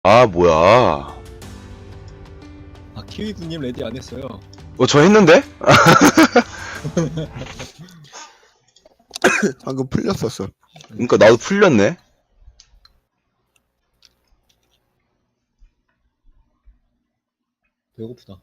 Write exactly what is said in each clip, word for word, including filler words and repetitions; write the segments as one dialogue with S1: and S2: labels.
S1: 아, 뭐야.
S2: 아, 키위군님 레디 안 했어요.
S1: 어, 저 했는데?
S3: 방금 풀렸었어.
S1: 그니까 나도 풀렸네.
S2: 배고프다.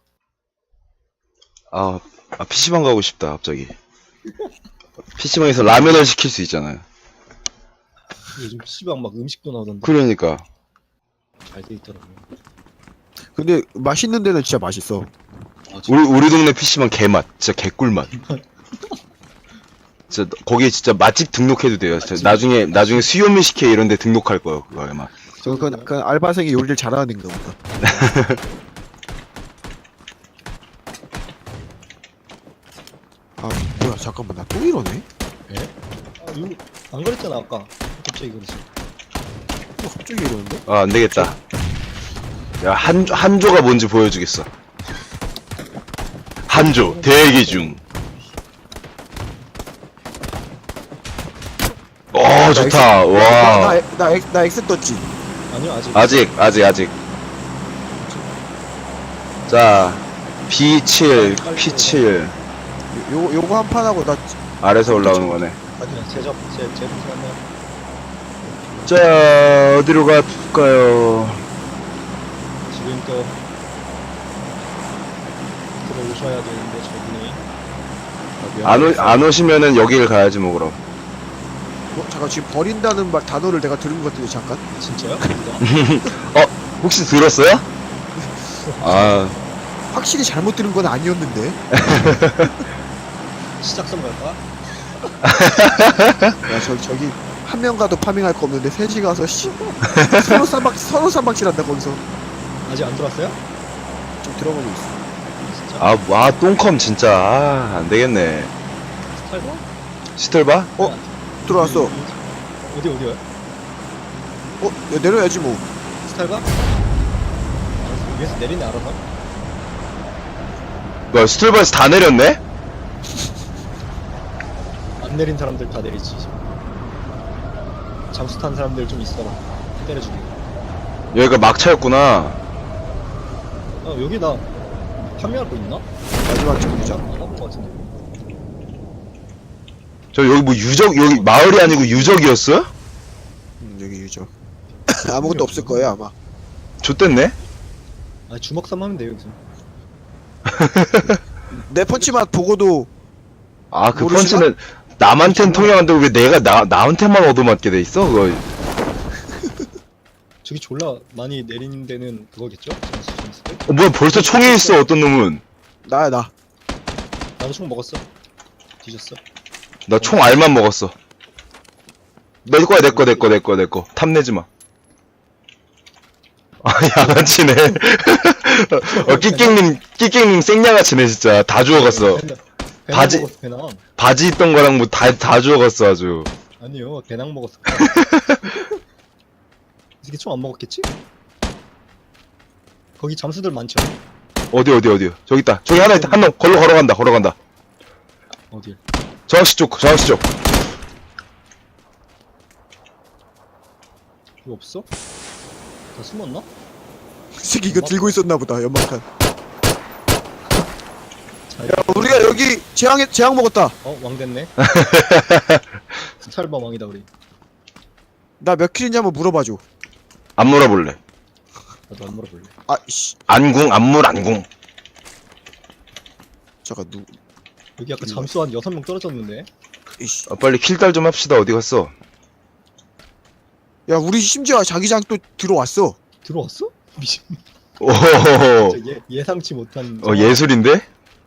S1: 아, 아 피시방 가고 싶다, 갑자기. 피시방에서 라면을 시킬 수 있잖아요.
S2: 요즘 피시방 막 음식도 나오던데.
S1: 그러니까.
S2: 잘 돼 있더라고요.
S3: 근데 맛있는 데는 진짜 맛있어.
S2: 아,
S1: 우리, 우리 동네 피시방 개맛. 진짜 개꿀맛. 진짜, 거기에 진짜 맛집 등록해도 돼요. 진짜 나중에, 나중에 수요미 식회 이런 데 등록할 거예요, 그거 아마.
S3: 저 그, 그 알바생이 요리를 잘하는가 보다. 아 뭐야 잠깐만 나 또 이러네?
S2: 아, 이거 안 그랬잖아 아까. 갑자기 그러지.
S3: 또 갑자기 이러는데?
S1: 아, 안 되겠다. 야, 한, 한조가 뭔지 보여주겠어. 한조, 대기 중. 어, 좋다. 와.
S3: 나나 나, 나 엑스 떴지.
S2: 아니요 아직.
S1: 아직, 아직, 아직. 자, 비 칠, 피 칠.
S3: 요 요거 한 판 하고 나
S1: 아래서 올라오는 거네.
S2: 아니야 제접 제 제접 하면
S1: 자, 어디로 갈까요?
S2: 지금 또 들어오셔야 되는데 저분이.
S1: 안, 오, 안 오시면은 여기를 가야지, 뭐, 그럼.
S3: 어, 잠깐 지금 버린다는 말 단어를 내가 들은 것 같은데 잠깐.
S2: 진짜요?
S1: 어, 혹시 들었어요? 아,
S3: 확실히 잘못 들은 건 아니었는데.
S2: 시작선 갈까?
S3: 야 저 저기 한 명 가도 파밍할 거 없는데 셋이 가서 씨 서로 쌈박 서로 쌈박질한다 거기서.
S2: 아직 안 들어왔어요?
S3: 좀 들어가고 있어.
S2: 진짜?
S1: 아, 와, 똥컴 진짜. 아, 안 되겠네.
S2: 스타일봐?
S1: 시털봐?
S3: 어 들어왔어.
S2: 어디 어디요?
S3: 어 야, 내려야지 뭐.
S2: 스타일봐? 알았어. 위에서 내리네 알아서.
S1: 뭐야, 스털바에서 다 내렸네?
S2: 안 내린 사람들 다 내리지. 잠수 탄 사람들 좀 있어라. 때려주기.
S1: 여기가 막차였구나.
S2: 아 여기 나 판매할 거 있나?
S3: 마지막 정류장.
S2: 안 가본 거 같은데.
S1: 저 여기 뭐 유적, 여기 마을이 아니고 유적이었어?
S3: 음, 여기 유저. 아무것도 없을 거예요 아마.
S1: 좆됐네?
S2: 아 주먹삼 하면 돼요 여기서.
S3: 내 펀치만 보고도
S1: 아, 그
S3: 모르시나?
S1: 펀치는 남한텐 통용한데 왜 내가 나, 나한테만 얻어맞게 돼 있어? 그거.
S2: 저기 졸라 많이 내리는 데는 그거겠죠? 잠수 잠수 때?
S1: 어, 뭐야, 벌써 총이 있어, 어떤 놈은.
S3: 나야 나.
S2: 나도 총 먹었어. 뒤졌어.
S1: 나 총 알만 먹었어. 내 거야, 내 거, 내 거, 내 거, 내 거. 탐내지 마. 아, 양아치네. 어, 끼깽님, 끼깽님 생양아치네, 진짜. 다 주워갔어.
S2: 배낭- 배낭
S1: 바지-
S2: 먹었어, 배낭.
S1: 바지 있던 거랑 뭐 다, 다 주워갔어, 아주.
S2: 아니요 배낭 먹었어. 이게 총 안 먹었겠지? 거기 잠수들 많죠?
S1: 어디, 어디, 어디요? 저기 있다. 저기 하나 있다. 한 놈, 걸로 걸어간다, 걸어간다.
S2: 어딜?
S1: 저 아저씨 쪽, 저 아저씨 쪽.
S2: 이거 없어? 다 숨었나?
S3: 이 새끼 이거 들고 있었나 보다 연막탄.
S2: 자,
S3: 야 우리가 여기 재앙에 재앙 먹었다.
S2: 어? 왕 됐네? 스탈바 왕이다 우리.
S3: 나 몇 킬인지 한번 물어봐줘.
S1: 안 물어볼래.
S2: 나도 안 물어볼래.
S3: 아씨
S1: 안궁, 안물, 안궁.
S3: 잠깐 누
S2: 여기 아까 잠수 한 여섯 명 떨어졌는데?
S3: 이씨.
S1: 아, 빨리 킬달 좀 합시다. 어디 갔어?
S3: 야 우리 심지어 자기장 또 들어왔어.
S2: 들어왔어? 미친.
S1: 오호호호.
S2: 진짜 예, 예상치 못한.
S1: 어, 예술인데?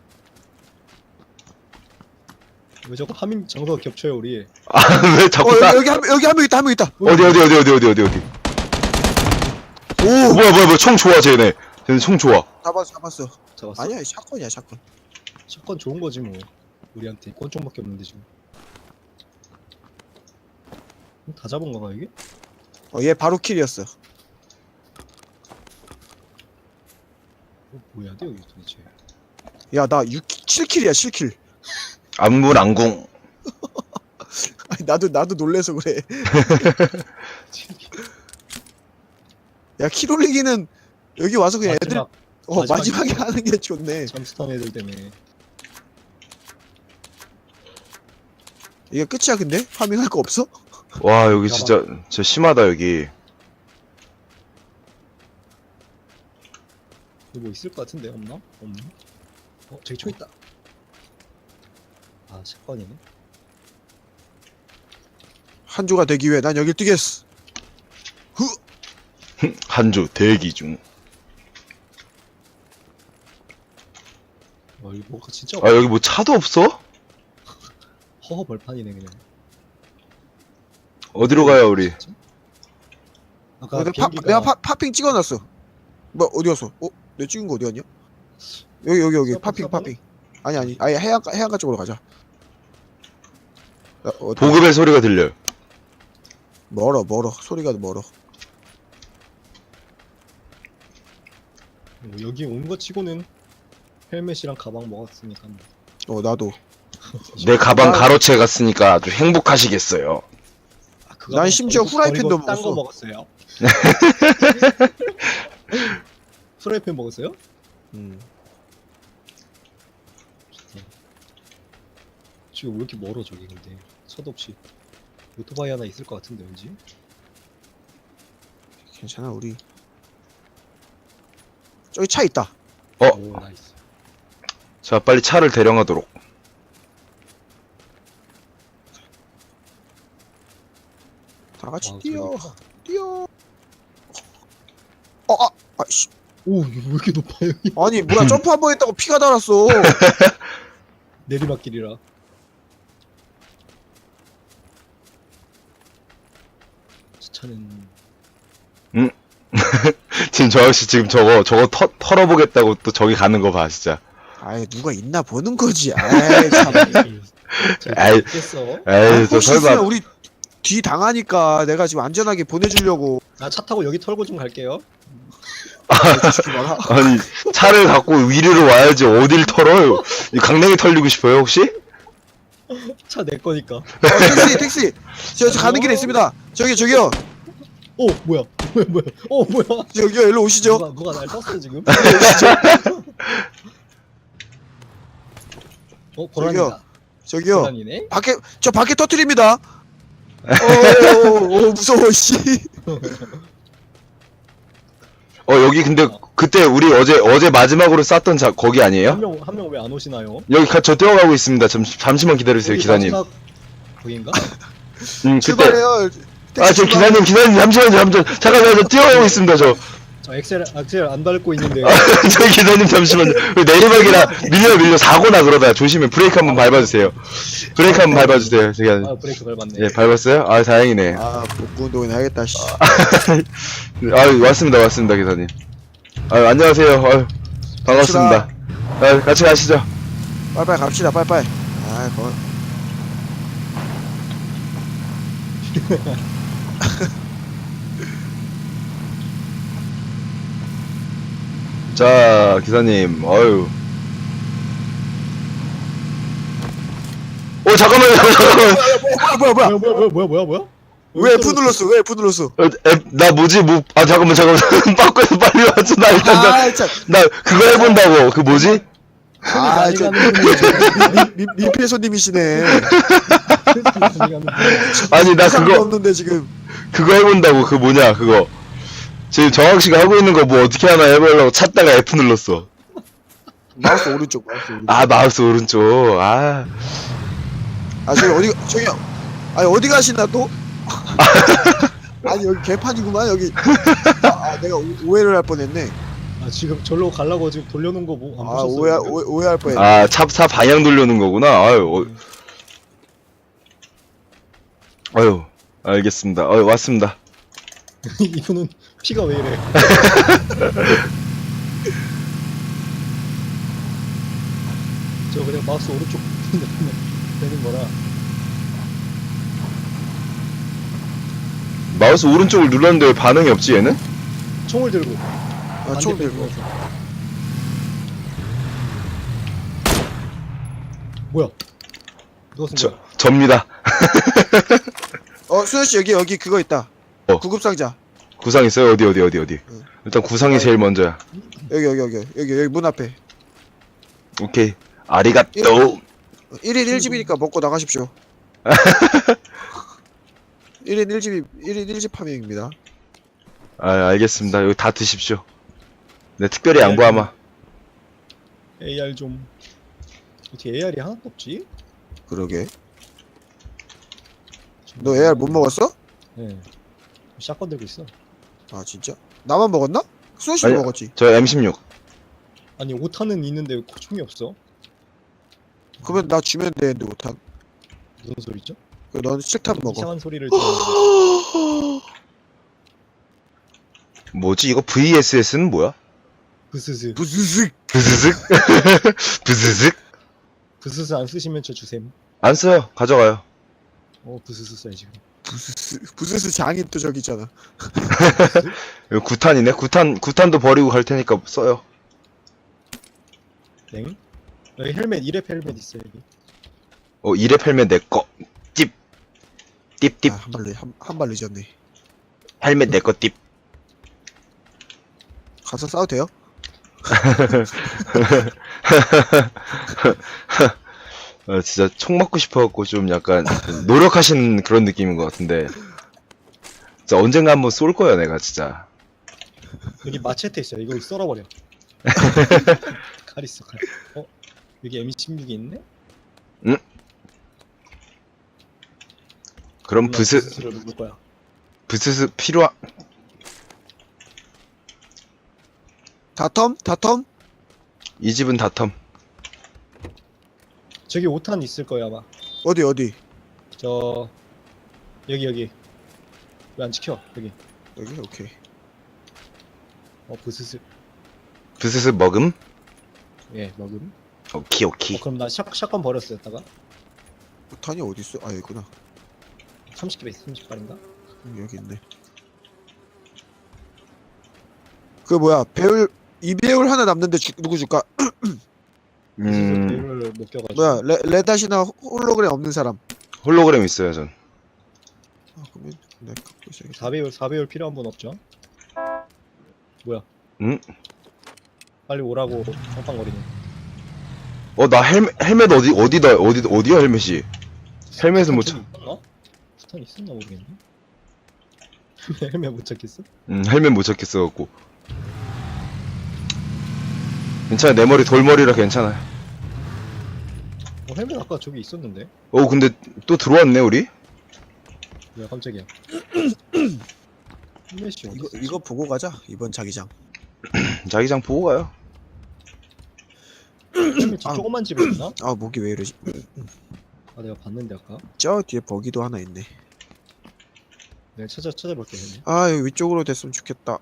S2: 왜 자꾸 하민 장소가 겹쳐요 우리?
S1: 아, 왜
S3: 어
S1: 자꾸 따,
S3: 여기 여기 한 여기 한 명 있다 한 명 있다.
S1: 어디, 어디, 어디, 어디, 어디, 어디, 어디.
S3: 오
S1: 어, 뭐야, 뭐야, 뭐야. 총 좋아, 쟤네. 쟤네 총 좋아.
S3: 잡았어 잡았어.
S2: 잡았어?
S3: 아니야 샷건이야 샷건.
S2: 샷건 좋은 거지 뭐. 우리한테 권총밖에 없는데 지금. 다 잡은 건가 이게?
S3: 어얘 바로 킬이었어.
S2: 어, 뭐 해야 돼 여기 도대체?
S3: 야 나 육 칠 킬이야 칠 킬.
S1: 안물, 안궁.
S3: 아니 나도 나도 놀래서 그래. 야, 킬 올리기는 여기 와서 그냥 애들,
S2: 마지막
S3: 어,
S2: 마지막에
S3: 마지막에 하는 게 좋네.
S2: 잠수탄 애들 때문에.
S3: 이게 끝이야, 근데? 파밍할 거 없어?
S1: 와, 여기 진짜, 진짜 심하다, 여기.
S2: 여기 뭐 있을 것 같은데, 없나? 없나? 어, 저기 총 있다. 아, 샷건이네.
S3: 한 조가 되기 위해 난 여길 뛰겠어. 흐!
S1: 한주 대기 중.
S2: 어, 이거 뭐가 진짜
S1: 아, 여기 뭐 차도 없어?
S2: 허허 벌판이네, 그냥.
S1: 어디로 가요, 우리?
S2: 아까
S3: 내가, 파,
S2: 비행기가
S3: 내가 파, 파핑 찍어놨어. 뭐, 어디 갔어? 어? 내가 찍은 거 어디 갔냐? 여기, 여기, 여기.
S2: 서버,
S3: 파핑,
S2: 서버?
S3: 파핑. 아니, 아니. 아예 해안가, 해안가 쪽으로 가자. 야, 어,
S1: 보급의 소리가 들려요.
S3: 멀어, 멀어. 소리가 멀어.
S2: 어, 여기 온 거 치고는 헬멧이랑 가방 먹었으니까.
S3: 어, 나도.
S1: 내 가방 가로채 갔으니까 아주 행복하시겠어요.
S2: 아, 그거
S3: 난 심지어
S2: 버리고
S3: 후라이팬도
S2: 딴거
S3: 먹었어.
S2: 먹었어요. 후라이팬 먹었어요?
S3: 음.
S2: 지금 왜 이렇게 멀어 저기 근데 차도 없이 오토바이 하나 있을 것 같은데 왠지.
S3: 괜찮아, 우리. 저기 차 있다.
S1: 어,
S2: 오 나이스.
S1: 자, 빨리 차를 대령하도록.
S3: 다 같이
S2: 아,
S3: 뛰어.
S2: 저기
S3: 뛰어. 어, 아, 아씨.
S2: 오 이거 왜 이렇게 높아 여기.
S3: 아니, 뭐야, 점프 한 번 했다고 피가 달았어.
S2: 내리막길이라. 저 차는
S1: 지금 저 아저씨 지금 저거, 저거 터, 털어보겠다고 또 저기 가는 거 봐, 진짜.
S3: 아이, 누가 있나 보는 거지. 아이, 참.
S1: 아이,
S2: 있겠어.
S1: 에이, 저
S3: 혹시 있으면
S1: 설마.
S3: 우리 뒤 당하니까 내가 지금 안전하게 보내주려고.
S2: 나차 타고 여기 털고 좀 갈게요.
S3: 솔직히 말하.
S1: 아니, 차를 갖고 위로 와야지 어딜 털어요? 이 강냉이 털리고 싶어요, 혹시?
S2: 차 내 거니까.
S3: 어, 택시, 택시. 저, 저 가는 길에 있습니다. 저기, 저기요.
S2: 오 뭐야 뭐야 뭐야. 어 뭐야.
S3: 저기요, 일로 오시죠.
S2: 누가 누가 날 떴어 지금. 어 고라니다.
S3: 저기요.
S2: 고라니네.
S3: 밖에, 저 밖에 터트립니다. 오, 오, 오, 무서워, 씨.
S1: 어, 여기 근데 그때 우리 어제, 어제 마지막으로 쌌던 자, 거기 아니에요?
S2: 한 명 한 명 왜 안 오시나요?
S1: 여기 가, 저 뛰어가고 있습니다. 잠시, 잠시만 기다려주세요,
S2: 여기
S1: 기사님.
S2: 마지막 거긴가?
S1: 음, 그때.
S3: 출발해요.
S1: 아, 저
S3: 택시 출발.
S1: 기사님, 기사님, 잠시만요, 잠시만. 잠깐만, 저 뛰어가고 있습니다, 저.
S2: 저 엑셀 엑셀 안 밟고 있는데.
S1: 저 기사님, 잠시만요. 그 내리막이라 밀려, 밀려, 사고나 그러다. 조심해. 브레이크 한번 밟아주세요. 브레이크 한번 밟아주세요, 저기.
S2: 아 브레이크 밟았네.
S1: 예, 밟았어요? 아, 다행이네.
S3: 아, 복부 운동이나 하겠다, 씨.
S1: 아, 왔습니다, 왔습니다, 기사님. 아, 안녕하세요. 아유, 반갑습니다. 아, 같이 가시죠.
S3: 빨리빨리 갑시다, 빨리빨리. 아, 거.
S1: 자, 기사님, 어유. 어, 잠깐만요, 잠깐만.
S3: 아, 뭐야, 뭐야.
S2: 뭐야 뭐야 뭐야 뭐야 뭐야?
S3: 왜 F 눌렀어? 왜 F 눌렀어?
S1: 어, 에, 나 뭐지, 뭐, 아, 잠깐만, 잠깐만. 바꿔서 빨리 와줘. 나 일단, 나,
S3: 아, 참.
S1: 나 그거 해본다고. 그 뭐지?
S2: 손이
S3: 아,
S2: 많이
S3: 저-
S2: 가는 분이
S3: 미, 미, 민폐 손님이시네.
S2: 손이 많이 가는 분이.
S1: 아니, 나
S3: 이상도
S1: 그거,
S3: 없는데, 지금.
S1: 그거 해본다고. 그 뭐냐, 그거. 지금 정학씨가 하고 있는 거 뭐 어떻게 하나 해보려고 찾다가 F 눌렀어.
S3: 마우스 오른쪽, 마우스 오른쪽.
S1: 아, 마우스 오른쪽. 아.
S3: 아, 저기 어디, 저기, 아니, 어디 가시나 또? 아니, 여기 개판이구만, 여기. 아, 아, 내가 오, 오해를 할 뻔했네.
S2: 아 지금 절로 가려고 지금 돌려놓은 거 뭐 안
S3: 아,
S2: 보셨어요?
S3: 오해,
S2: 지금?
S3: 오해, 오해할 뻔했네.
S1: 아, 차, 차 방향 돌려는 거구나. 아유, 어, 아유, 알겠습니다. 아유, 왔습니다.
S2: 이분은 피가 왜 이래? 저 그냥 마우스 오른쪽 되는 거라.
S1: 마우스 오른쪽을 눌렀는데 왜 반응이 없지, 얘는?
S2: 총을 들고.
S3: 아, 총 들고.
S2: 뭐야? 누가 쓴
S1: 저,
S2: 거야?
S1: 접니다.
S3: 어, 수현씨, 여기, 여기 그거 있다.
S1: 어.
S3: 구급상자.
S1: 구상 있어요? 어디 어디 어디 어디.
S3: 응.
S1: 일단 구상이 제일 먼저야.
S3: 여기 여기 여기 여기 여기 문 앞에.
S1: 오케이. 아리가또.
S3: 일 인 일 집이니까 먹고 나가십시오. 일 인 일 집이 일 인 일 집 파밍입니다.
S1: 아 알겠습니다. 여기 다 드십시오. 네 특별히 양보하마.
S2: 에이알 좀 어떻게 에이알이 하나도 없지?
S3: 그러게. 너 에이알 못 먹었어?
S2: 네. 샷건 들고 있어.
S3: 아 진짜? 나만 먹었나? 수호씨
S1: 아니,
S3: 먹었지.
S1: 저 엠 십육.
S2: 아니 오탄은 있는데 왜 총이 없어?
S3: 그러면 나 주면 되는데 오탄.
S2: 무슨 소리죠?
S3: 그 넌 실탄 먹어.
S2: 이상한 소리를 듣는
S1: 뭐지 이거 브이에스에스는 뭐야?
S2: 부스스
S3: 부스슥.
S1: 부스슥. 부스슥.
S2: 부스스 안 쓰시면 저 주셈.
S1: 안 써요. 가져가요.
S2: 어 부스스 써야지.
S3: 부스스 부스스 장인 또 저기 있잖아.
S1: 여기 구탄이네. 구탄 구탄도 버리고 갈 테니까 써요.
S2: 땡. 여기 헬멧 일 렙 헬멧 있어 여기.
S1: 어 이레 헬멧 내 거. 찝. 띠띠.
S3: 아, 한발 늦, 한, 한 발 늦었네.
S1: 헬멧 내 거 띠.
S3: 가서 싸워도 돼요?
S1: 어, 진짜 총 맞고 싶어갖고 좀 약간 노력하신 그런 느낌인 것 같은데 진짜 언젠가 한번 쏠 거야 내가 진짜.
S2: 여기 마체테 있어. 이거 썰어버려. 칼 있어 칼. 어 여기 엠 십육이 있네?
S1: 그럼 부스
S2: 부스스를 누를 거야.
S1: 부스스 필요한.
S3: 다텀? 다텀?
S1: 이 집은 다텀.
S2: 저기 오탄 있을 거야 아마.
S3: 어디 어디?
S2: 저 여기 여기. 왜 안 지켜? 여기.
S3: 여기? 오케이.
S2: 어 부스스.
S1: 부스스 먹음.
S2: 예 먹음.
S1: 오키
S2: 어
S1: 오키.
S2: 그럼 나 샷, 샷건 버렸어 여기다가.
S3: 탄이 어디 있어? 아 여기구나.
S2: 삼십 개 있어. 삼십 발인가?
S3: 음, 여기 있네. 그 뭐야 배울 이 배울 하나 남는데 주, 누구 줄까?
S2: 부스스
S1: 음
S2: 배율을 못 껴가지고.
S3: 뭐야 레, 레닷이나 홀로그램 없는 사람.
S1: 홀로그램 있어요 전.
S3: 아 그러면 내가 갖고 있어야겠다.
S2: 사 배율 사 배율 필요한 분 없죠? 뭐야?
S1: 응?
S2: 빨리 오라고 팡팡거리네.
S1: 어 나 헬멧 헬멧 어디 어디다 어디 어디야 헬멧이? 헬멧은 못 찾.
S2: 있었나? 스탄 있었나 모르겠네. 헬멧 못 찾겠어?
S1: 음 헬멧 못 찾겠어 갖고. 괜찮아 내 머리 돌머리라 괜찮아.
S2: 어 헬멧 아까 저기 있었는데?
S1: 어 근데 또 들어왔네 우리.
S2: 야 깜짝이야. 헬멧이 어디
S3: 이거
S2: 있어?
S3: 이거 보고 가자 이번 자기장.
S1: 자기장 보고 가요.
S2: 헬멧 저
S3: 아.
S2: 조그만 집에 있나?
S3: 아 목이 왜 이러지?
S2: 아 내가 봤는데 아까.
S3: 저 뒤에 버기도 하나 있네.
S2: 내가 찾아 찾아볼게 헬멧.
S3: 아 여기 위쪽으로 됐으면 좋겠다.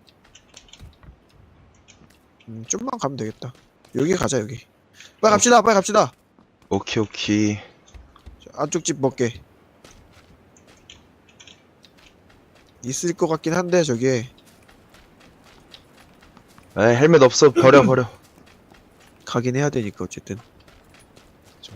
S3: 음 좀만 가면 되겠다. 여기 가자 여기. 빨리 갑시다 빨리 갑시다.
S1: 오케이 오케이.
S3: 저 안쪽 집 먹게. 있을 것 같긴 한데 저기에.
S1: 에 헬멧 없어 버려 버려.
S3: 가긴 해야 되니까 어쨌든.
S2: 그쵸?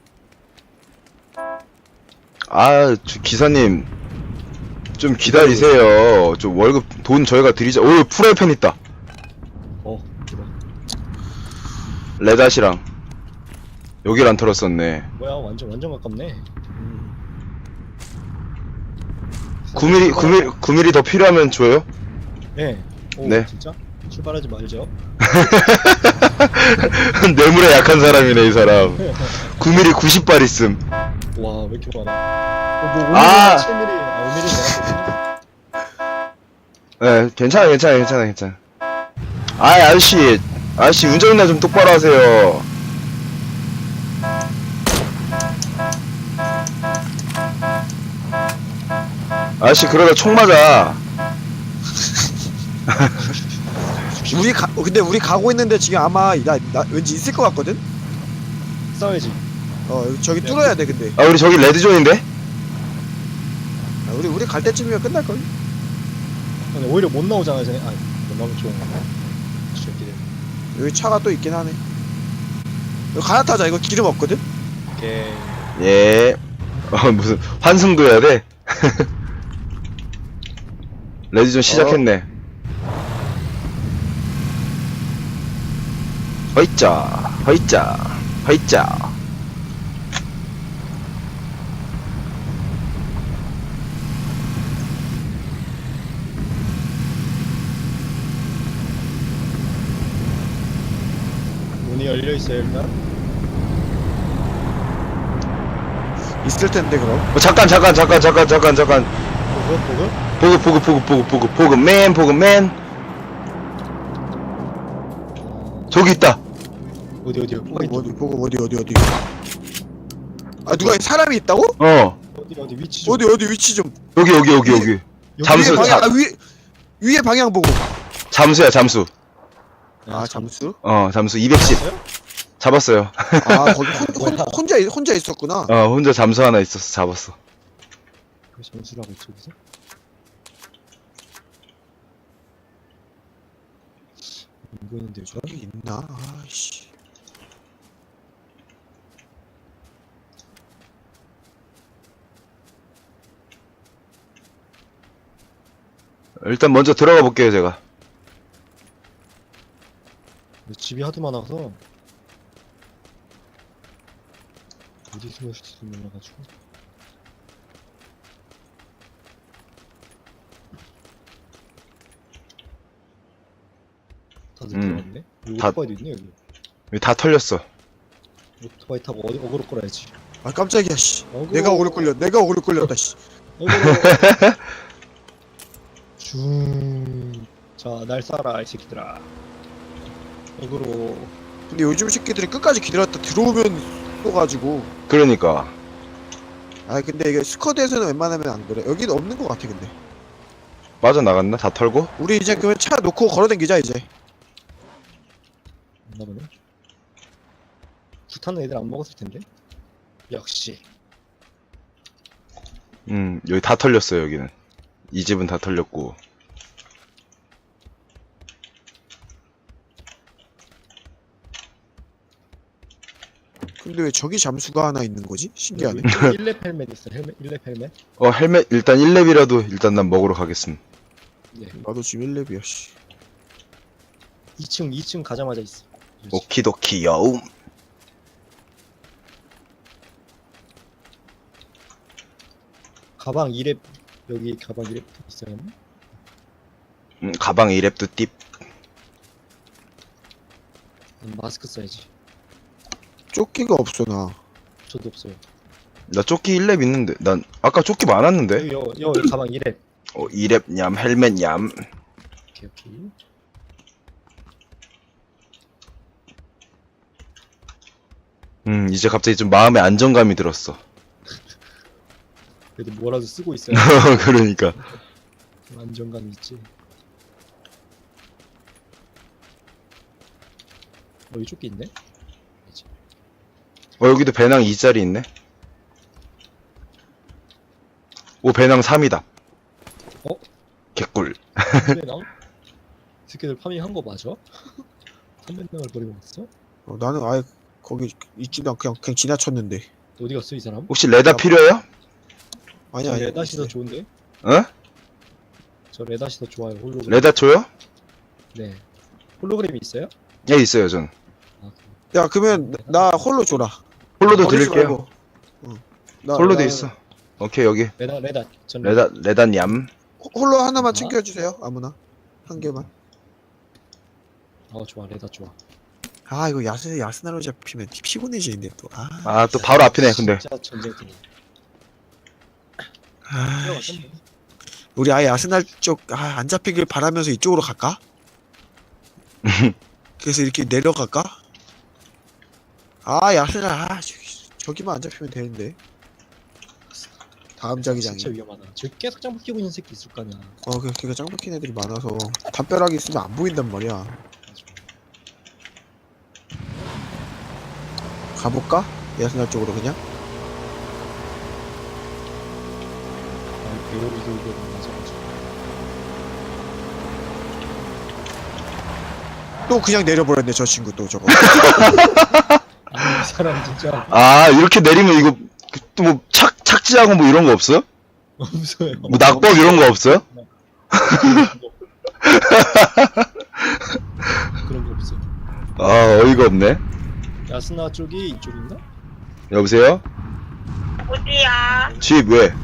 S1: 아 저 기사님 좀 기다리세요. 좀 월급 돈 저희가 드리자. 오 프라이팬 있다.
S2: 어 그래.
S1: 레닷이랑 여길 안 털었었네.
S2: 뭐야 완전 완전 가깝네.
S3: 음.
S1: 구 밀리미터 구 밀리미터 구 밀리미터 더 필요하면 줘요.
S2: 네. 오,
S1: 네.
S2: 진짜? 출발하지 말죠.
S1: 뇌물에 약한 사람이네 이 사람. 구 밀리미터 구십 발 있음.
S2: 와, 왜 이렇게 많아? 어, 뭐
S1: 아!
S2: 오 밀리미터, 칠 밀리미터, 아, 오 밀리미터
S1: 네 괜찮아 괜찮아 괜찮아 괜찮아. 아이 아저씨 아저씨 운전이나 좀 똑바로 하세요. 아저씨 그러다 총 맞아.
S3: 우리 가 어, 근데 우리 가고 있는데 지금 아마 나, 나 왠지 있을 것 같거든.
S2: 싸워야지.
S3: 어 저기 뚫어야 돼 근데.
S1: 아 우리 저기 레드존인데?
S3: 아, 우리 우리 갈 때쯤이면 끝날 걸.
S2: 근데 오히려 못 나오잖아, 쟤네. 아, 못 나오면 좋은 거야. 새끼들.
S3: 여기 차가 또 있긴 하네. 여기 갈아타자. 이거 기름 없거든.
S2: 오케이.
S1: 예. 어 무슨 환승도 해야 돼? 레드존 시작했네. 허이짜, 허이짜, 허이짜.
S2: 문이 열려 있어요 일단.
S3: 있을 텐데 그럼.
S1: 어, 잠깐, 잠깐, 잠깐, 잠깐, 잠깐, 잠깐.
S2: 보급 보급.
S1: 보급, 보급, 보급, 보급, 보급, 보급맨, 보급맨. 저기 있다.
S2: 어디 어디요? 어디
S3: 보고 어디 보고 어디 어디 어디. 아 누가 사람이 있다고?
S1: 어,
S2: 어디 어디 위치 좀.
S3: 어디 어디 위치 좀.
S1: 여기, 여기, 여기, 여기.
S2: 여기
S1: 잠수,
S3: 위에 방향
S1: 자-
S3: 아 위, 위에 방향 보고.
S1: 잠수야, 잠수.
S3: 아 잠수?
S1: 어, 잠수 이백십.
S2: 있어요?
S1: 잡았어요.
S3: 아 거기 혼, 혼, 혼자 있- 혼자 있었구나.
S1: 어, 혼자 잠수 하나 있어서 잡았어.
S2: 그 점수라고 저기서. 안 보이는데요 저?
S3: 여기 있나? 아씨.
S1: 일단 먼저 들어가 볼게요, 제가.
S2: 근데 집이 하도 많아서 어디 숨었을지 몰라가지고. 다들
S1: 음.
S2: 들어왔네? 여기
S1: 다-
S2: 오토바이도 있네 여기.
S1: 여기 다 털렸어.
S2: 오토바이 타고 어디 어그로 끌어야지.
S3: 아 깜짝이야 씨.
S2: 어그로.
S3: 내가 오래 끌려. 내가 오래 끌렸다 씨.
S2: 어그로. 중. 자, 날 쏴라 이 새끼들아. 어그로.
S3: 근데 요즘 새끼들이 끝까지 기다렸다 들어오면 쏘가지고.
S1: 그러니까.
S3: 아 근데 이게 스쿼드에서는 웬만하면 안 그래. 여기는 없는 것 같아 근데.
S1: 빠져나갔나? 다 털고?
S3: 우리 이제 그러면 차 놓고 걸어다니자 이제.
S2: 없나 보네. 구타는 애들 안 먹었을 텐데. 역시.
S1: 음, 여기 다 털렸어요, 여기는. 이 집은 다 털렸고.
S3: 근데 왜 저기 잠수가 하나 있는 거지? 신기하네.
S2: 일 렙 헬멧 있어. 헬멧 일 렙 헬멧.
S1: 어, 헬멧, 일단 일 렙이라도 일단 난 먹으러 가겠음.
S2: 네.
S3: 나도 지금 일 렙이야 씨.
S2: 이 층 이 층 가자마자 있어. 그렇지.
S1: 오키도키 여움.
S2: 가방 이 렙 여기 가방 이 렙 있어요.
S1: 음, 가방 이 렙도 띠.
S2: 음, 마스크 써야지.
S3: 조끼가 없어 나.
S2: 저도 없어요.
S1: 나 조끼 일 렙 있는데. 난 아까 조끼 많았는데.
S2: 여기 여, 여기 가방 이 렙.
S1: 어, 이 렙 냠, 헬멧 냠.
S2: 오케이 오케이.
S1: 음, 이제 갑자기 좀 마음에 안정감이 들었어.
S2: 그래도 뭐라도 쓰고 있어요.
S1: 그러니까.
S2: 좀 안정감이 있지. 어, 이 조끼 있네? 그치.
S1: 어, 여기도 배낭 이 짜리 있네. 오, 배낭 삼이다.
S2: 어?
S1: 개꿀.
S2: 삼배낭? 새끼들 파밍한 거 맞아? 삼배낭을 버리고 갔어?
S3: 어, 나는 아예 거기 있지도 않고 그냥 그냥 지나쳤는데.
S2: 어디 갔어 이 사람?
S1: 혹시 레다 필요해요?
S3: 아니
S2: 저
S3: 아니.
S2: 레닷이 더 좋은데?
S1: 어?
S2: 저 레닷이 더 좋아요. 홀로그램.
S1: 레다 줘요?
S2: 네. 홀로그램이 있어요?
S1: 예, 있어요, 전.
S2: 아,
S3: 야 그러면 나 홀로 줘라.
S1: 홀로도
S3: 버리지
S1: 드릴게요.
S3: 말고. 응. 나-
S1: 홀로도
S3: 나-
S1: 있어. 오케이, 여기.
S2: 레닷 레닷. 전
S1: 레다, 레다 냠.
S3: 홀로 하나만
S2: 아.
S3: 챙겨주세요. 아무나 한 개만.
S2: 어 좋아 레닷 좋아.
S3: 아 이거 야스 야스나로 잡히면 피곤해지는데 또. 아.
S1: 아, 또 바로 앞이네, 근데.
S2: 진짜 전쟁팀.
S3: 아,
S2: 들어갔어?
S3: 우리 아예 아스날 쪽 아, 안 잡히길 바라면서 이쪽으로 갈까? 그래서 이렇게 내려갈까? 아 야스날 아 저기, 저기만 안 잡히면 되는데. 다음 자기장이.
S2: 진짜 위험하다. 저기 계속 장부 끼고 있는 새끼 있을 거 아니야.
S3: 어 그- 걔가 짱 박힌 애들이 많아서 담벼락이 있으면 안 보인단 말이야.
S2: 맞아.
S3: 가볼까? 야스날 쪽으로 그냥?
S2: 아, 배열이 돌고 맞아가지고.
S3: 또 그냥 내려버렸네 저 친구 또 저거.
S2: 아니 이 사람 진짜
S1: 아, 이렇게 내리면 이거, 또 뭐, 착, 착지하고 뭐 이런 거 없어요?
S2: 무서워요.
S1: 뭐 낙법 이런 거 없어요?
S2: 그런 거 없어.
S1: 아, 어이가 없네.
S2: 야스나 쪽이 이쪽인가?
S1: 여보세요?
S4: 어디야?
S1: 집 왜?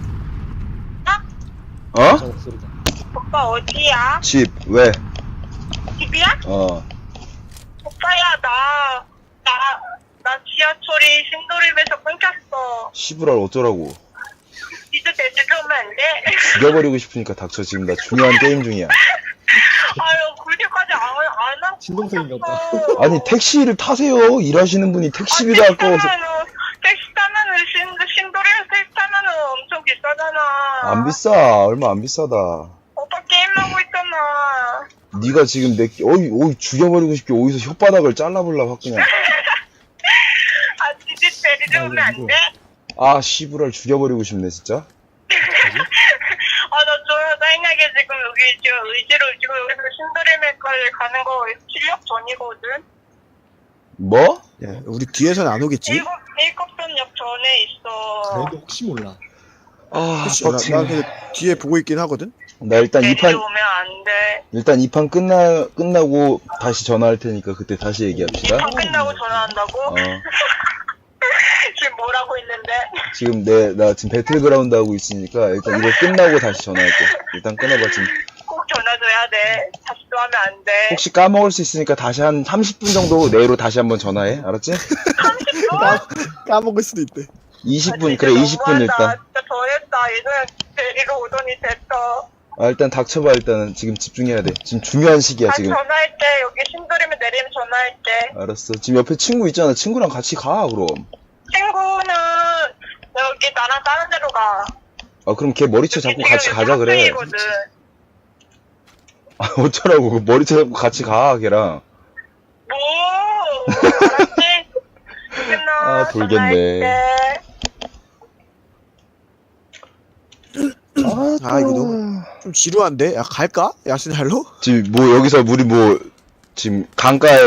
S1: 어?
S2: 저 목소리다.
S4: 오빠 어디야?
S1: 집 왜?
S4: 집이야?
S1: 어.
S4: 오빠야 나, 나, 나 지하철이 신도림에서 끊겼어.
S1: 시부랄 어쩌라고.
S4: 이제 데리러 오면 안 돼?
S1: 죽여버리고 싶으니까 닥쳐. 지금 나 중요한 게임 중이야.
S4: 아유 그렇게까지 안, 안 하고
S2: 친동생인가 보다.
S4: 싶었어.
S1: 아니 택시를 타세요. 일하시는 분이 택시비도
S4: 아,
S1: 아까워서.
S4: 택시 타면은, 택시 타면은 신, 신도림에서 택시 타면은 엄청 비싸잖아.
S1: 안 비싸. 얼마 안 비싸다.
S4: 오빠 게임하고 있잖아.
S1: 네가 지금 내 끼- 어이 어이 죽여버리고 싶게 어디서 혓바닥을 잘라볼라 확 그냥.
S4: 아 이제 데리러 오면 안 돼?
S1: 아 시부랄 죽여버리고 싶네 진짜.
S4: 아, 나 저, 짜증나게 지금 여기 지금 의지로 지금 여기서 신도림에까지 가는 거 실력 전이거든?
S1: 뭐?
S3: 야, 우리 뒤에서는 안 오겠지?
S4: 일곱, 일곱선역 전에 있어.
S2: 그래도 혹시 몰라.
S1: 아
S3: 그치, 나, 나
S1: 빡치네.
S3: 근데 뒤에 보고 있긴 하거든?
S1: 나 일단 이
S4: 데리러
S1: 판
S4: 오면 안 돼.
S1: 일단 이 판 끝나 끝나고 다시 전화할 테니까 그때 다시 얘기합시다.
S4: 이판 끝나고 전화한다고?
S1: 어
S4: 지금 뭐라고 있는데?
S1: 지금 내 나 지금 배틀그라운드 하고 있으니까 일단 이거 끝나고 다시 전화할게. 일단 끊어봐 지금.
S4: 꼭 전화줘야 돼. 다시 또 하면 안 돼.
S1: 혹시 까먹을 수 있으니까 다시 한 삼십 분 정도 내로 다시 한번 전화해. 알았지?
S3: 까, 까먹을 수도 있대.
S1: 이십 분
S4: 아, 진짜
S1: 그래 이십 분
S4: 너무하다.
S1: 일단.
S4: 진짜 더했다. 예전에 데리러 오더니 됐어.
S1: 아 일단 닥쳐봐 일단은 지금 집중해야 돼. 지금 중요한 시기야
S4: 다시
S1: 지금.
S4: 전화할게. 여기 신도림에 내리면 전화할게.
S1: 알았어. 지금 옆에 친구 있잖아. 친구랑 같이 가 그럼.
S4: 친구는 여기 나랑 다른 데로 가.
S1: 아 그럼 걔 머리채 잡고
S4: 여기
S1: 같이
S4: 지금
S1: 가자 그래.
S4: 학생이거든.
S1: 아 어쩌라고 그 머리채 잡고 같이 가 걔랑.
S4: 뭐? 알았지? 끝나.
S1: 아, 돌겠네.
S4: 전화할게.
S3: 아, 이거 너무 좀 지루한데? 야, 갈까? 야스날로?
S1: 지금 뭐 여기서 우리 뭐 지금 강가에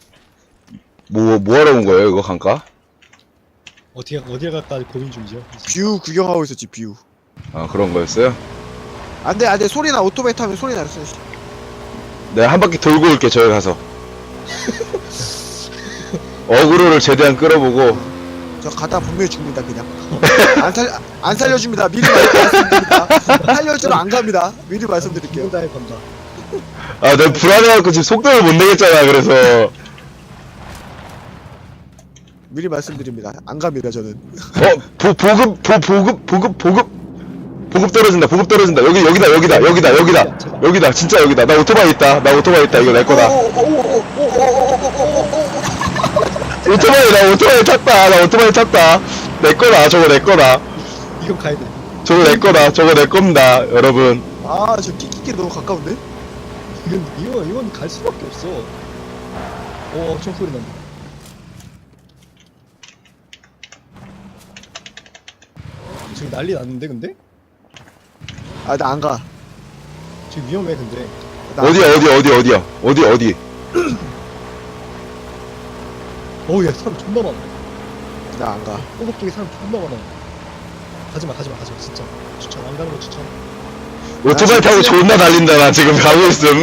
S1: 뭐 뭐하러 온 거예요 이거 강가?
S2: 어떻게 어디에 갈까 고민 중이죠.
S3: 뷰 구경하고 있었지, 뷰.
S1: 아 그런 거였어요?
S3: 안 돼, 안 돼. 소리나, 오토바이 타면 소리 났어.
S1: 내가 한 바퀴 돌고 올게 저기 가서. 어그로를 최대한 끌어보고.
S3: 저 가다 분명히 죽는다, 그냥. 안 살, 안 살려줍니다. 미리 말- 말씀드립니다. 살려주러 안 갑니다. 미리 말씀드릴게요.
S2: 혼자에 건다.
S1: 아 내가 불안해갖고 지금 속도를 못 내겠잖아 그래서.
S3: 미리 말씀드립니다. 안 갑니다, 저는.
S1: 어 보, 보급 보, 보급 보급 보급 보급 떨어진다 보급 떨어진다 여기 여기다 여기다 여기다 여기다 여기다 진짜 여기다 나 오토바이 있다 나 오토바이 있다 이거 내 거다. 오토바이 나 오토바이 탔다 나 오토바이 탔다 내 거다 저거 내 거다
S2: 이건 가야 돼.
S1: 저거 내 거다 저거 내 겁니다 여러분.
S3: 아, 저 끼끼끼 너무 가까운데?
S2: 이건 이건 이건 갈 수밖에 없어. 오 엄청 소리 난다. 지금 난리 났는데 근데?
S3: 아, 나 안 가.
S2: 지금 위험해 근데.
S3: 나 안
S1: 어디야 어디 어디 어디야 어디 어디
S2: 어우 야 사람 존나 많아.
S3: 가. 나 안 가.
S2: 꼬박 쪽에 사람 존나 많아. 가지마 가지마 가지마 진짜. 추천 안 가는 거 추천.
S1: 오토바이 타고 존나 달린다 나 지금 가고 있음.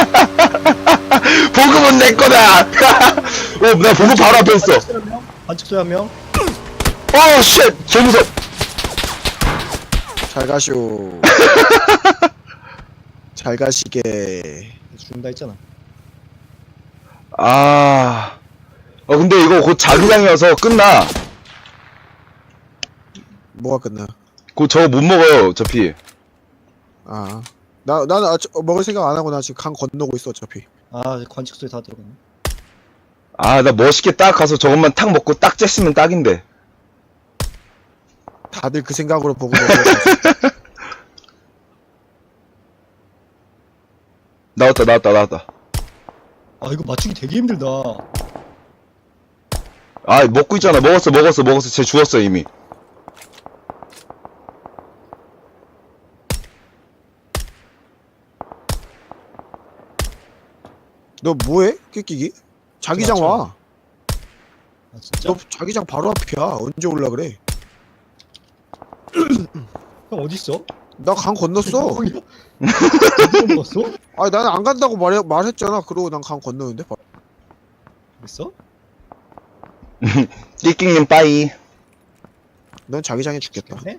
S1: 보급은 내 거다. 어나 보급 바로 앞에 있어.
S2: 반칙 한 명. 반칙 한 명.
S1: 어 쉣 개 무서.
S3: 잘 가쇼. 잘 가시게.
S2: 죽는다 했잖아.
S1: 아. 어 근데 이거 곧 자기장이어서 끝나.
S3: 뭐가 끝나?
S1: 곧 저거 못 먹어요 어차피.
S3: 아. 나, 나는 아, 저, 먹을 생각 안 하고 나 지금 강 건너고 있어, 어차피.
S2: 아 관측 소리 다 들어갔네.
S1: 아 나 멋있게 딱 가서 저것만 탁 먹고 딱 쬐으면 딱인데.
S3: 다들 그 생각으로 보고 있어.
S1: 나왔다 나왔다 나왔다.
S2: 아 이거 맞추기 되게 힘들다.
S1: 아 먹고 있잖아 먹었어 먹었어 먹었어 쟤 죽었어 이미.
S3: 너 뭐해? 끼끼기? 자기장 와.
S2: 아 진짜?
S3: 너 자기장 바로 앞이야. 언제 올라 그래?
S2: 형 어디 있어?
S3: 나 강 건넜어.
S2: 어디로 먹었어?
S3: 아니 나는 안 간다고 말 말했잖아. 그러고 난 강 건너는데. 바로.
S2: 그랬어?
S1: 끼끼님 빠이.
S3: 넌 자기장에 죽겠다.
S2: 네?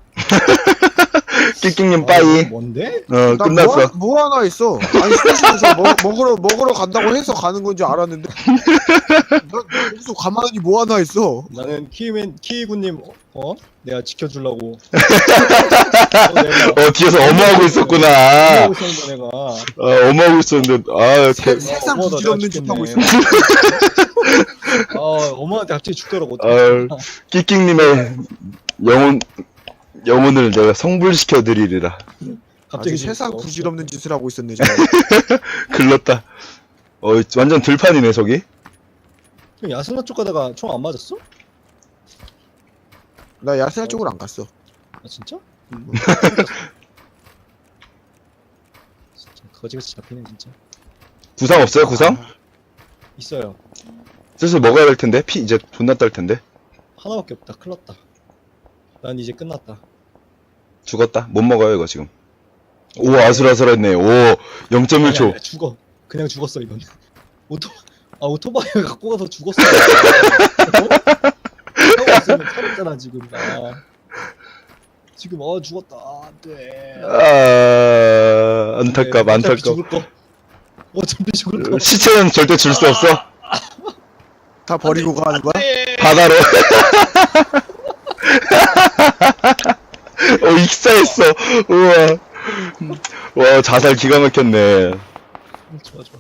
S1: 끼끼님
S2: 아,
S1: 빠이.
S2: 뭔데?
S1: 어,
S3: 나
S1: 끝났어.
S3: 뭐, 뭐 하나 있어. 아니 스테이션에서 먹, 먹으러 먹으러 간다고 해서 가는 건 줄 알았는데. 난 여기서 가만히 뭐 하나 있어.
S2: 나는 키위맨 키위군님 어? 내가 지켜주려고. 어, 내가
S1: 어, 뒤에서 어머하고 있었구나.
S2: 하고 있었는데 내가.
S1: 어, 어머하고 있었는데, 아, 개,
S3: 세, 세상
S2: 어머나,
S3: 부질없는
S2: 내가
S3: 짓 하고 있어.
S2: 죽겠네. 아 엄마한테 갑자기 죽더라고.
S1: 아, 끼끼님의 영혼, 영혼을 내가 성불시켜 드리리라.
S3: 갑자기
S2: 갑자기
S3: 세상
S2: 죽었어.
S3: 부질없는 짓을 하고 있었네 지금.
S1: 글렀다. 어, 완전 들판이네, 저기.
S2: 형, 야스나 쪽 가다가 총 안 맞았어?
S3: 나 야스나 쪽으로 안 갔어.
S2: 아 진짜? 음. 진짜 거지같이 잡히네 진짜.
S1: 구상 없어요, 구상?
S2: 있어요.
S1: 슬슬 먹어야 될 텐데? 피 이제 존나 딸 텐데?
S2: 하나밖에 없다. 큰일났다. 난 이제 끝났다.
S1: 죽었다. 못 먹어요, 이거 지금. 오, 아슬아슬했네. 오, 영 점 일 초.
S2: 아니, 아니, 죽어. 그냥 죽었어 이건. 오토 아 오토바이 갖고 가서 죽었어. 타고 있으면 살았잖아 지금. 아. 지금 어 죽었다. 안돼.
S1: 아, 안타깝, 안타깝.
S2: 죽을 거. 어차피 죽을 거.
S1: 시체는 절대 줄 수 없어.
S3: 다 버리고 가는 거야?
S1: 바다로. 어, 익사했어. 우와. 와, 자살 기가 막혔네.
S2: 좋아 좋아.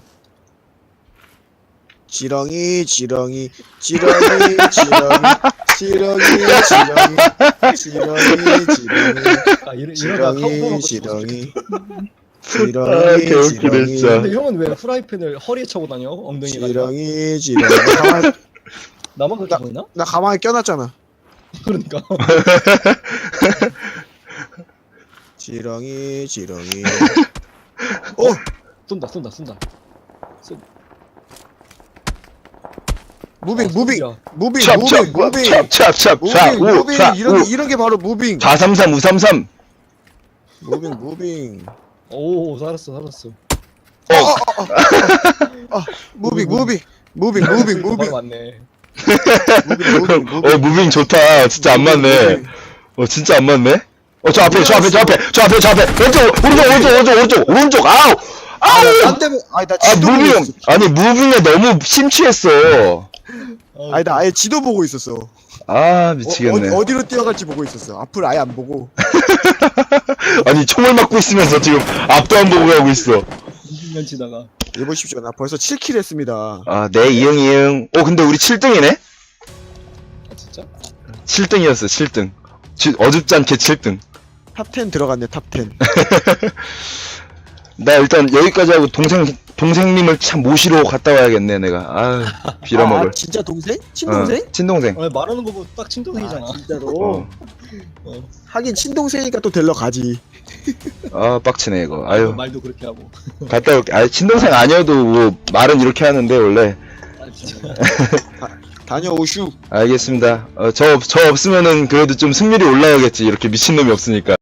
S3: 지렁이 지렁이 지렁이 지렁이 지렁이 지렁이 지렁이 지렁이
S2: 아 이러 이러다 카운터
S3: 지렁이
S2: 놓고
S3: 지렁이
S1: 아, 개웃기네, 진짜.
S2: 근데 형은 왜 프라이팬을 허리에 차고 다녀? 엉덩이가.
S3: 지렁이 지렁이 나 가만히,
S2: 나만 그렇게 보이나?
S3: 나 가만히 껴놨잖아.
S2: 그러니까.
S3: 지렁이 지렁이 어!
S2: 쏜다 쏜다 쏜다.
S3: 무빙
S2: 아,
S3: 무빙
S2: 쏜다.
S3: 무빙
S1: 찹,
S3: 무빙
S1: 찹,
S3: 무빙
S1: 찹, 찹, 찹, 찹,
S3: 무빙
S1: 우,
S3: 무빙
S1: 차,
S3: 이런
S1: 우.
S3: 게 이런 게 바로 무빙
S1: 사삼삼, 우삼삼.
S3: 무빙 무빙
S2: 오 살았어 살았어.
S3: 무빙 무빙 무빙 무빙 무빙
S2: 바로 맞네.
S3: 무빙 무빙 무빙
S1: 어, 무빙 좋다. 진짜 안 맞네. 어, 진짜 안 맞네? 어, 저 앞에, 저 앞에, 저 앞에, 저 앞에, 저 앞에. 왼쪽, 오른쪽, 오른쪽, 오른쪽, 오른쪽, 오른쪽, 아우! 아우!
S3: 딴 데면 아니 나
S1: 아,
S3: 지도 보고
S1: 무빙,
S3: 있었어.
S1: 아니, 무빙에 너무 심취했어.
S2: 어,
S3: 아니 나 아예 지도 보고 있었어.
S1: 아,
S3: 어,
S1: 미치겠네.
S3: 어디, 어디로 뛰어갈지 보고 있었어. 앞을 아예 안 보고.
S1: 아니, 총을 맞고 있으면서 지금 앞도 안 보고 가고 있어.
S2: 이십 년 지나가.
S3: 해보십시오. 나 벌써 칠 킬 했습니다.
S1: 아, 네, 이응, 이응. 어, 근데 우리 칠 등이네?
S2: 아 진짜?
S1: 칠 등이었어, 칠 등. 지, 어줍지 않게 칠 등.
S3: 탑 텐 들어갔네. 탑 텐.
S1: 나 일단 여기까지 하고 동생, 동생님을 참 모시러 갔다 와야겠네, 내가. 아유, 빌어먹을.
S3: 아, 진짜 동생? 친동생?
S1: 어, 친동생.
S2: 아, 말하는 거 보고 딱 친동생이잖아.
S3: 아, 진짜로.
S1: 어.
S2: 어.
S3: 하긴 친동생이니까 또 데려 가지.
S1: 아, 빡치네, 이거. 아유,
S2: 말도 그렇게 하고.
S1: 갔다 올게. 아, 친동생 아니어도 뭐, 말은 이렇게 하는데, 원래.
S2: 아 진짜.
S3: 다녀오슈.
S1: 알겠습니다. 어, 저, 저 없으면은 그래도 좀 승률이 올라가겠지. 이렇게 미친놈이 없으니까.